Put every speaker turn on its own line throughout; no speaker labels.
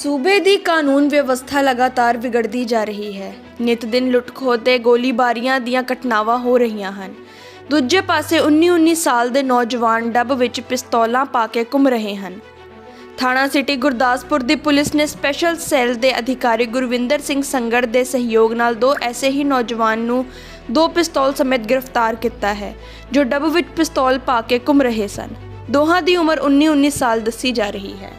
सूबे दी कानून व्यवस्था लगातार विगड़ती जा रही है। नित दिन लुट खोह ते गोलीबारियां ਦੀਆਂ ਘਟਨਾਵਾਂ ਹੋ ਰਹੀਆਂ ਹਨ। ਦੂਜੇ ਪਾਸੇ 19 ਸਾਲ ਦੇ ਨੌਜਵਾਨ ਡੱਬ ਵਿੱਚ ਪਿਸਤੌਲਾਂ ਪਾ ਕੇ ਘੁੰਮ ਰਹੇ ਹਨ। ਥਾਣਾ ਸਿਟੀ ਗੁਰਦਾਸਪੁਰ ਦੀ ਪੁਲਿਸ ਨੇ ਸਪੈਸ਼ਲ ਸੈੱਲ ਦੇ ਅਧਿਕਾਰੀ ਗੁਰਵਿੰਦਰ ਸਿੰਘ ਸੰਗੜ ਦੇ ਸਹਿਯੋਗ ਨਾਲ ਦੋ ਐਸੇ ਹੀ ਨੌਜਵਾਨ ਨੂੰ ਦੋ ਪਿਸਤੌਲ ਸਮੇਤ ਗ੍ਰਿਫਤਾਰ ਕੀਤਾ ਹੈ, ਜੋ ਡੱਬ ਵਿੱਚ ਪਿਸਤੌਲ ਪਾ ਕੇ ਘੁੰਮ ਰਹੇ ਸਨ। ਦੋਹਾਂ ਦੀ ਉਮਰ 19 ਸਾਲ ਦੱਸੀ ਜਾ ਰਹੀ ਹੈ।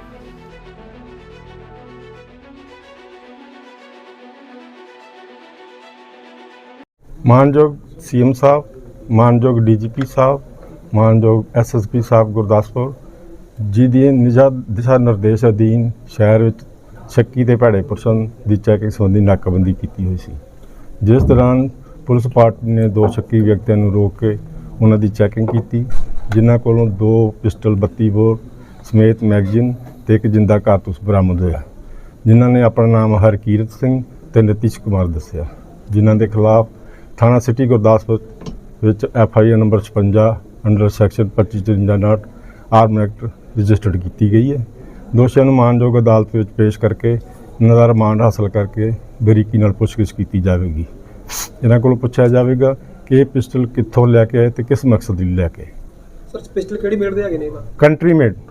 मानयोग CM साहब, मानयोग DGP साहब, मानयोग SSP साहब गुरदासपुर जी दी दिशा निर्देश अधीन शहर ਵਿੱਚ ਸ਼ੱਕੀ ਤੇ ਭੈੜੇ ਪੁਰਸ਼ਾਂ ਦੀ ਚੈਕਿੰਗ ਸੰਬੰਧੀ ਨਾਕਾਬੰਦੀ ਕੀਤੀ ਹੋਈ ਸੀ, ਜਿਸ ਦੌਰਾਨ ਪੁਲਿਸ ਪਾਰਟੀ ਨੇ ਦੋ ਸ਼ੱਕੀ ਵਿਅਕਤੀਆਂ ਨੂੰ ਰੋਕ ਕੇ ਉਹਨਾਂ ਦੀ ਚੈਕਿੰਗ ਕੀਤੀ, ਜਿਨ੍ਹਾਂ ਕੋਲੋਂ ਦੋ ਪਿਸਟਲ 32 ਬੋਰ ਸਮੇਤ ਮੈਗਜ਼ੀਨ ਤੇ ਇੱਕ ਜਿੰਦਾ ਕਾਰਤੂਸ ਬਰਾਮਦ ਹੋਇਆ, ਜਿਨ੍ਹਾਂ ਨੇ ਆਪਣਾ ਨਾਮ ਹਰਕੀਰਤ ਸਿੰਘ ਤੇ ਨਤੀਸ਼ ਕੁਮਾਰ ਦੱਸਿਆ, ਜਿਨ੍ਹਾਂ ਦੇ ਖਿਲਾਫ थाना city Gurdaspur FIR number 56 under section 2553 arm act registered की गई है। दोषियों को मानयोग अदालत में पेश करके इन्हां दा रिमांड हासिल करके बरीकी नाल पुछगिछ की जाएगी। इन्हां कोलों पुछया जाएगा कि ये पिस्टल कित्थों लैके आए ते किस मकसद लई लैके।
सर पिस्टल किहड़ी मेड दे हैगे ने?
Country made.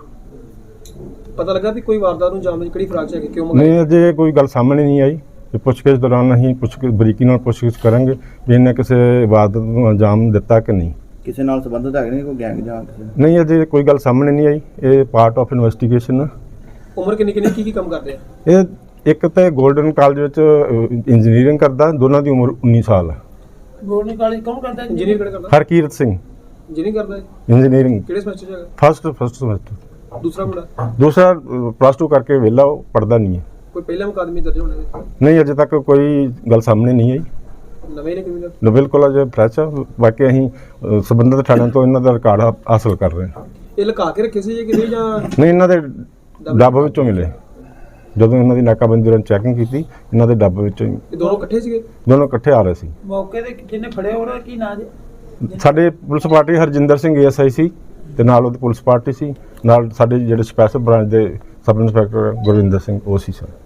पता लगा भी कोई वारदात नूं अंजाम देण किहड़ी फराक च हैगे, क्यों
नहीं अजे कोई गल सामने नहीं आई। पुछगिछ दौरान असीं बरीकी नाल पुछगिछ करांगे भी इन्हें किसी इबादत नूं अंजाम दिता कि नहीं,
किसी नाल संबंधित है नहीं, कोई गैंग जां किसी
नहीं अजे कोई गल सामने नहीं आई। ये पार्ट ऑफ इन्वेस्टिगेशन।
उम्र किन्नी की काम करते हैं?
ये एक तो गोल्डन कॉलेज विच इंजीनियरिंग करदा, दोनों की उम्र 19 साल है।
गोल्डन कॉलेज कौन करता है? इंजीनियर किहड़ा करदा?
हरकीरत सिंह
इंजीनियरिंग करदा है।
इंजीनियरिंग
किहड़े सेमेस्टर च हैगा?
First semester.
दूसरा मुंडा?
दूसरा +2 करके वेला पढ़दा नहीं है।
कोई पहला मुकादमे दर्ज होने?
नहीं अजे तक कोई गल सामने नहीं आई।
नवे ने क्रिमिनल
बिल्कुल अजे फ्रैश है। बाकी असीं संबंधित थाणिਆਂ ਤੋਂ ਇਹਨਾਂ ਦਾ ਰਿਕਾਰਡ हासिल कर रहे हैं।
ਇਹ ਲੁਕਾ ਕੇ ਰੱਖੇ ਸੀ ਜਾਂ ਕਿਤੇ ਜਾਂ
नहीं ਇਹਨਾਂ ਦੇ ਡੱਬ ਵਿੱਚੋਂ ਮਿਲੇ, ਜਦੋਂ ਇਹਨਾਂ ਦੀ ਨਾਕਾਬੰਦੀ ਦੌਰਾਨ ਚੈਕਿੰਗ ਕੀਤੀ ਇਹਨਾਂ ਦੇ ਡੱਬ ਵਿੱਚੋਂ ਹੀ।
ਇਹ ਦੋਨੋਂ ਇਕੱਠੇ ਸੀਗੇ?
ਦੋਨੋਂ ਇਕੱਠੇ ਆ ਰਹੇ ਸੀ।
ਮੌਕੇ ਤੇ ਜਿਹਨੇ ਫੜਿਆ ਉਹਦਾ ਕੀ ਨਾਂ ਜੀ?
ਸਾਡੇ police party Harjinder Singh ASI ਸੀ ਤੇ ਨਾਲ ਉਹਦੀ ਪੁਲਿਸ ਪਾਰਟੀ ਸੀ, ਨਾਲ ਸਾਡੇ ਜਿਹੜੇ ਸਪੈਸ਼ਲ ਬ੍ਰਾਂਚ ਦੇ ਸਬ ਇੰਸਪੈਕਟਰ ਗੁਰਵਿੰਦਰ ਸਿੰਘ ਉਹ ਸੀ ਸਰ।